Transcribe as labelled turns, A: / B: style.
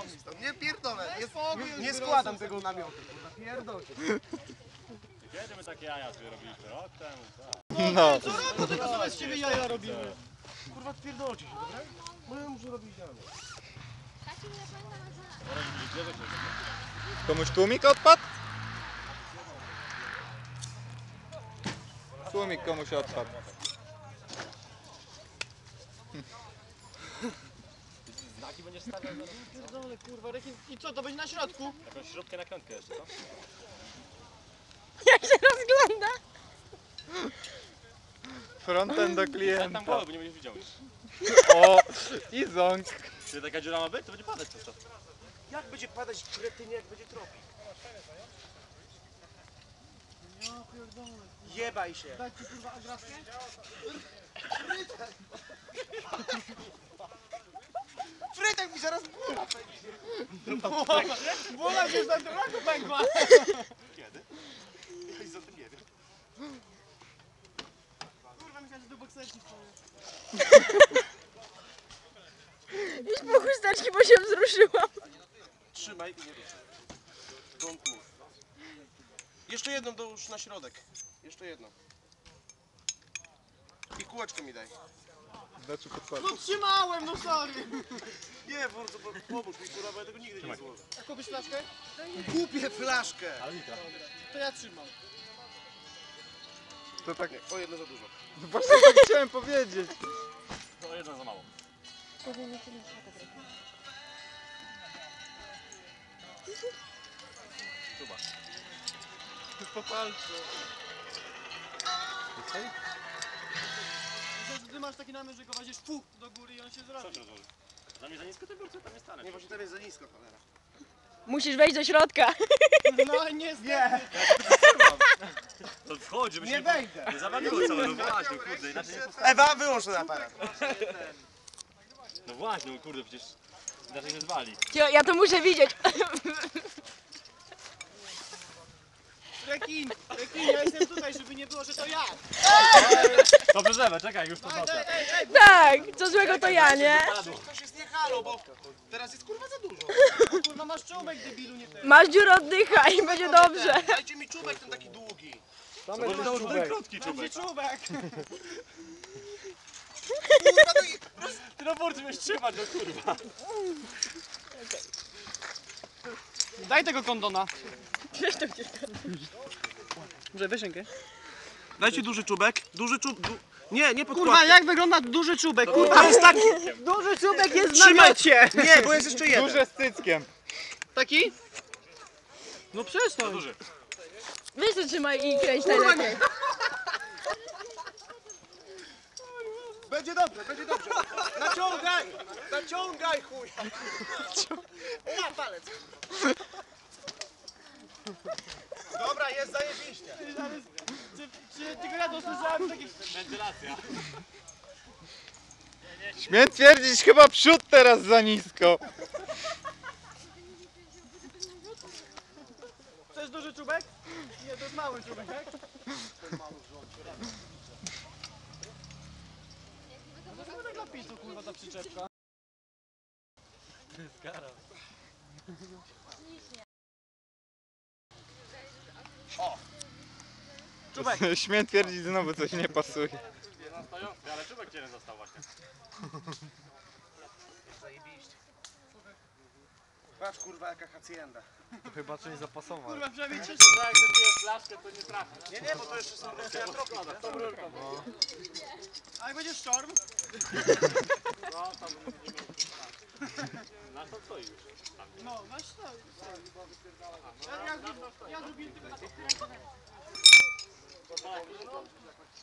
A: Nie pierdolę, nie składam tego namiotu, kurwa, pierdolę.
B: Kiedy my takie jaja sobie robiliśmy? Rok temu, tak.
C: No.
A: Co roku tylko sobie z ciebie jaja robimy. Kurwa, pierdolcie się, dobra? Bo ja muszę robić jaja.
C: Komuś tłumik odpadł? Tłumik komuś odpadł.
B: Znaki będziesz stawiał zaraz?
A: Pierdolę, kurwa, rekin. I co, to będzie na środku?
B: Jakąś śrubkę na krętkę jeszcze, co?
D: Jak się rozgląda?
C: Frontem do
B: Ja tam
C: klienta.
B: głowę, bo nie będziesz widział już.
C: O! I ząg.
B: Czy taka dziura ma być, to będzie padać przez to.
A: Jak będzie padać kretynie, jak będzie tropik? Ja pierdolę. Jebaj się. Daj ci kurwa agraskę? Frytek mi zaraz głowa pęknie. Głowa się za tym roku pękła.
B: Kiedy? Ja nic o tym nie wiem.
A: Kurwa, myślałem, że do bokserki wstaje.
D: Idź po chusteczki, bo się wzruszyłam.
A: Trzymaj i nie ruszaj. Don't move. Jeszcze jedną dołóż na środek. Jeszcze jedną. I kółeczko mi daj.
C: Znaczy podpadł.
A: No trzymałem, no sorry. Nie, bardzo pomóż mi, kurwa, bo ja tego nigdy nie złożę. A kupisz flaszkę? Kupię flaszkę.
B: Ale litra.
A: To ja trzymam.
C: To tak...
A: Nie, o jedno za dużo.
C: Właśnie tak chciałem powiedzieć.
B: To jedna za mało. Chyba.
A: Po palcu. Ty masz taki namysł, że go wadzisz do góry i on się
B: Co
A: zrobi.
B: ci rozłoży? Dla mnie za nisko ten biurce, tam nie stanę.
A: Nie, właśnie tam jest za nisko, cholera.
D: Musisz wejść do środka.
A: No niestety. Nie.
B: To wchodzi, żeby się
A: Nie wejdę.
B: nie zawaliło całe, no właśnie, kurde, inaczej nie postawię.
A: Ewa, wyłącz ten aparat.
B: No właśnie, no kurde, przecież inaczej nie zwali.
D: Ja to muszę widzieć.
A: Rekin, ja jestem tutaj, żeby nie było, że to ja.
B: To przeżewę, czekaj, już to wnoszę.
D: Tak, co złego to ja, nie?
A: Ktoś jest nie halo, bo teraz jest kurwa za dużo. Kurwa masz czubek, debilu, nie ten.
D: Masz dziurę, oddychaj i będzie dobrze.
A: Dajcie mi czubek ten taki długi.
B: Może to już ten krótki
A: Będzie
B: czubek.
A: czubek.
B: Ty na burcie będziesz trzymać, no kurwa.
A: Daj tego kondona. Może weź rękę. Dajcie duży czubek. Duży czubek. Nie podkładkę. Kurwa, jak wygląda duży czubek? Kurwa, jest taki.
D: Duży czubek jest
A: Trzymajcie. Nie, bo jest jeszcze jeden.
C: Duże z cyckiem.
A: Taki? No przestań.
B: Duży.
D: Weź to trzymaj i kręć najlepiej.
A: Będzie dobrze, będzie dobrze. Naciągaj! Naciągaj, chuj! Na palec. Dobra, jest zajebiście. Czy tylko ja dosłyszałem takich...
B: Wentylacja.
C: Śmiem twierdzić, chyba przód teraz za nisko.
A: Chcesz duży czubek? Nie, to jest mały czubek, tak? Może tak napisu, kurwa, ta przyczepka. Czubek.
C: Śmiem twierdzić, znowu coś nie pasuje.
B: Na stojący, ale czubek cię nie został właśnie.
A: Zajebiście. Patrz, kurwa, jaka hacienda.
C: Chyba coś zapasował.
A: Kurwa, przynajmniej cię...
B: No jak wypijesz flaszkę, to nie trafi.
A: Nie, bo to jeszcze są tą rurką. A jak będzie sztorm?
B: No, tam będziemy... Nasz tam stoi już.
A: No, weź to. Ja zrobiłem tylko na to.